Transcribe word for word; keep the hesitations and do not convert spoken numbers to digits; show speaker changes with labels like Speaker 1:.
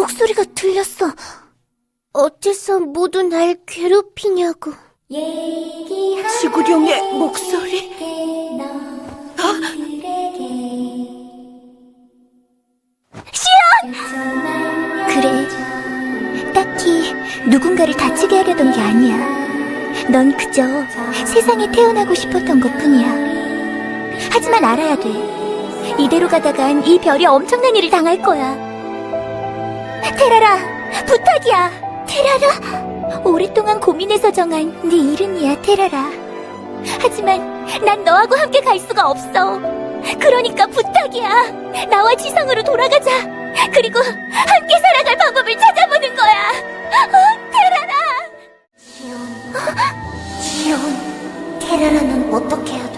Speaker 1: 목소리가 들렸어. 어째서 모두 날 괴롭히냐고.
Speaker 2: 지구룡의 목소리?
Speaker 1: 시연! 그래, 딱히 누군가를 다치게 하려던 게 아니야. 넌 그저 세상에 태어나고 싶었던 것뿐이야. 하지만 알아야 돼. 이대로 가다간 이 별이 엄청난 일을 당할 거야. 테라라, 부탁이야. 테라라? 오랫동안 고민해서 정한 네 이름이야, 테라라. 하지만 난 너하고 함께 갈 수가 없어. 그러니까 부탁이야. 나와 지상으로 돌아가자. 그리고 함께 살아갈 방법을 찾아보는 거야. 어, 테라라. 지온, 지온, 테라라는 어떻게 해야 돼?